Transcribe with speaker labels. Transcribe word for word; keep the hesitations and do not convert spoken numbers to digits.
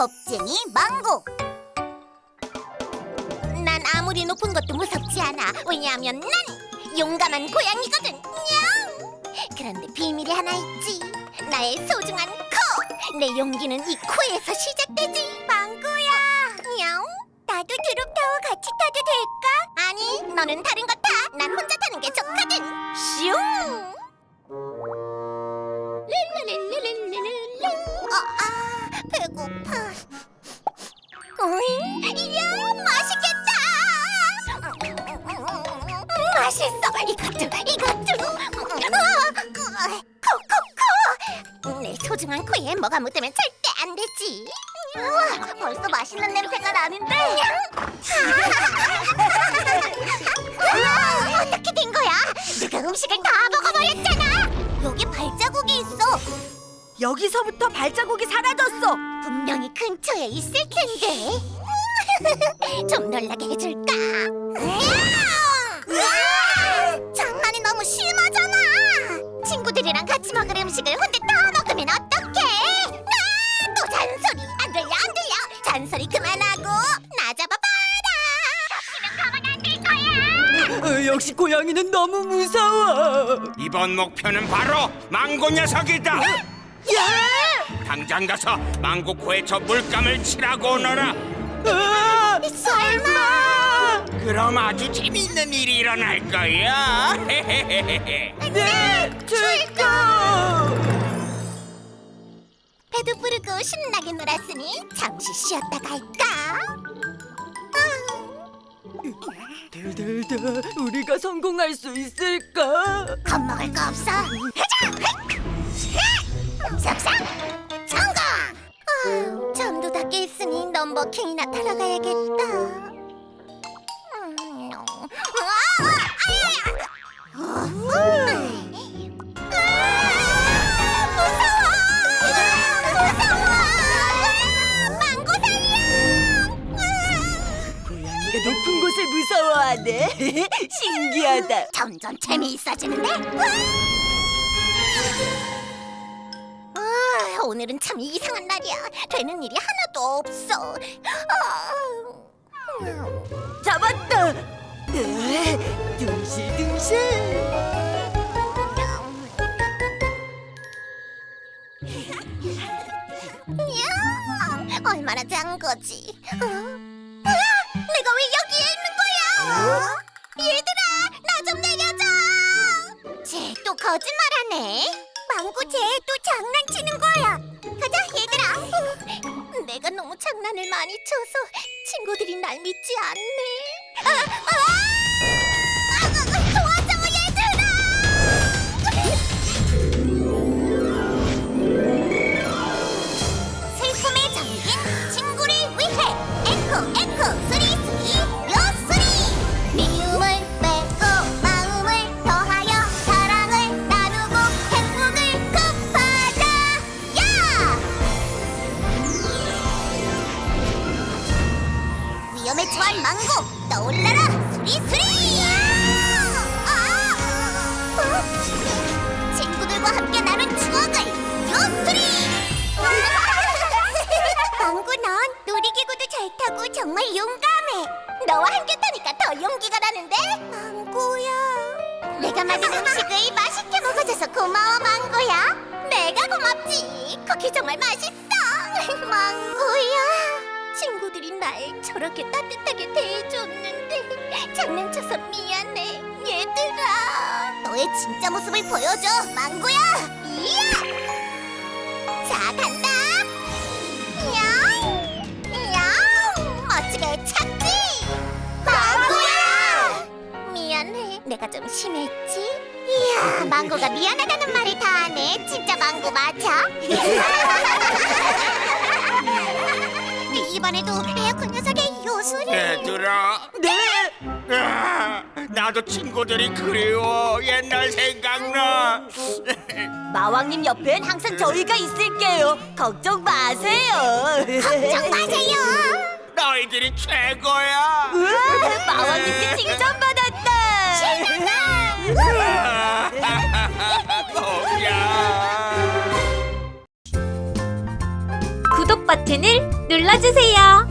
Speaker 1: 겁쟁이 망고. 난 아무리 높은 것도 무섭지 않아. 왜냐하면 난 용감한 고양이거든. 냥! 그런데 비밀이 하나 있지. 나의 소중한 코. 내 용기는 이 코에서 시작되지. 망고야. 냥? 나도 드롭타워 같이 타도 될까? 아니, 너는 다른 거 타. 난 혼자 타는 게 좋거든. 슝! 릴릴릴릴릴릴릴. 어, 아, 배고파. 오잉, 이야, 맛있겠다. 음, 맛있어. 이것도, 이것도. 아, 코코코. 내 소중한 코에 뭐가 묻으면 절대 안 되지. 우와, 벌써 맛있는 냄새가 나는데. 아, 어떻게 된 거야? 누가 음식을 다 먹어버렸잖아. 여기 발자국이 있어.
Speaker 2: 여기서부터 발자국이 사라졌어.
Speaker 1: 분명히 근처에 있을 텐데. 좀 놀라게 해줄까? 으아! 장난이 너무 심하잖아. 친구들이랑 같이 먹을 음식을 혼자 다 먹으면 어떡해? 아, 또 잔소리. 안 들려, 안 들려. 잔소리 그만하고 나 잡아봐라. 잡히면 가만 안 될 거야.
Speaker 2: 어, 역시 고양이는 너무 무서워.
Speaker 3: 이번 목표는 바로 망고 녀석이다.
Speaker 2: 야!
Speaker 3: 당장 가서 망고 코에 저 물감을 칠하고 오너라.
Speaker 2: 아,
Speaker 1: 설마?
Speaker 3: 그럼 아주 재미있는 일이 일어날 거야.
Speaker 2: 네, 출동.
Speaker 1: 배도 부르고 신나게 놀았으니 잠시 쉬었다 갈까?
Speaker 2: 들들들, 우리가 성공할 수 있을까?
Speaker 1: 겁먹을 거 없어. 가자! 삭삭! 성공! 아, 잠도 다 깼으니 넘버킹이나 타러 가야겠다. 음, 아, 아야야! 어, 음. 아, 무서워! 무서워! 아, 망고 살려! 아.
Speaker 2: 고양이가 높은 곳을 무서워하네. 신기하다.
Speaker 1: 점점 재미있어지는데? 아, 오늘은 참 이상한 날이야. 되는 일이 하나도 없어. 아,
Speaker 2: 잡았다. 으, 둥실둥실.
Speaker 1: 야, 얼마나 짠 거지? 어? 으아, 내가 왜 여기에 있는 거야? 얘들아, 나 좀 내려줘. 쟤 또 거짓말하네. 망고 쟤 또 장난치는 거야. 가자, 얘들아. 어, 내가 너무 장난을 많이 쳐서 친구들이 날 믿지 않네. 아, 아! 아, 아, 도와줘, 얘들아. 슬픔에 잠긴 친구를 위해 에코 에코 쓰리 쓰리 요 쓰리. 미움을 빼고 마음을 더하여 사랑을 나누고 행복을 급하자. 야! 위험에 처한 망고 떠올라라 쓰리 쓰리. 아! 어? 친구들과 함께 나눈 추억을 요 쓰리. 망고, 넌 놀이기구도 잘 타고 정말 용감해. 너와 함께 타니까 더 용기가 나는데? 망고야. 내가 만든 음식을 맛있게 먹어줘서 고마워, 망고야. 내가 고맙지. 쿠키 정말 맛있어. 망고야. 친구들이 날 저렇게 따뜻하게 대해줬는데 장난쳐서 미안해, 얘들아. 너의 진짜 모습을 보여줘, 망고야. 이야! 자, 간다. 야옹! 야옹! 멋지게 착지! 망고야! 미안해, 내가 좀 심했지? 이야, 망고가 미안하다는 말을 다 하네. 진짜 망고 맞아? 이번에도 에어컨 녀석의 요술이.
Speaker 3: 얘들아,
Speaker 2: 네.
Speaker 3: 아, 나도 친구들이 그리워. 옛날 생각나.
Speaker 2: 마왕님 옆엔 항상 저희가 있을게요. 걱정 마세요.
Speaker 1: 걱정 마세요.
Speaker 3: 너희들이 최고야.
Speaker 2: 우와, 마왕님께 칭찬받았다.
Speaker 3: 야.
Speaker 2: 구독
Speaker 1: 버튼을 눌러주세요.